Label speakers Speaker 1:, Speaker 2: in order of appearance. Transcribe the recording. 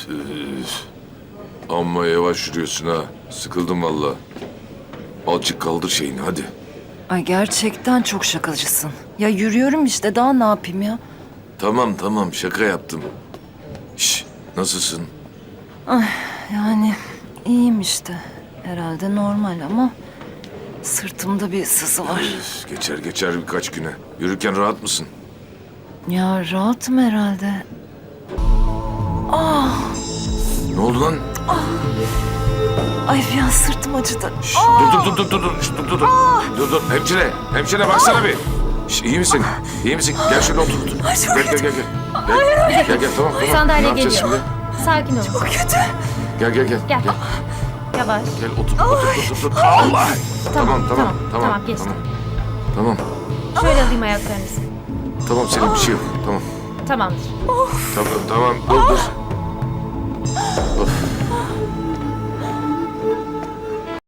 Speaker 1: Amma yavaş yürüyorsun ha. Sıkıldım valla. Azıcık kaldır şeyini hadi.
Speaker 2: Ay gerçekten çok şakacısın. Ya yürüyorum işte, daha ne yapayım ya?
Speaker 1: Tamam şaka yaptım. Şş, nasılsın?
Speaker 2: Yani iyiyim işte. Herhalde normal ama sırtımda bir sızı var.
Speaker 1: Geçer birkaç güne. Yürürken rahat mısın?
Speaker 2: Ya rahatım herhalde.
Speaker 1: Ne oldu lan?
Speaker 2: Ay bir an sırtım acıdı.
Speaker 1: Şş, dur. Şş, dur. Hemşire baksana bir. Şş, iyi misin? İyi misin? Gel şöyle otur. Gel. Gel tamam.
Speaker 3: Sandalye
Speaker 1: Ne yapacağız
Speaker 3: geliyor.
Speaker 1: şimdi?
Speaker 3: Sakin ol.
Speaker 2: Çok kötü.
Speaker 1: Gel.
Speaker 3: Gel. Yavaş.
Speaker 1: Gel otur. Allah! Tamam,
Speaker 3: geçti.
Speaker 1: Tamam.
Speaker 3: Şöyle alayım ayaklarınızı.
Speaker 1: Tamam senin bir şey yok. Tamam.
Speaker 3: Tamamdır.
Speaker 1: Tamam dur.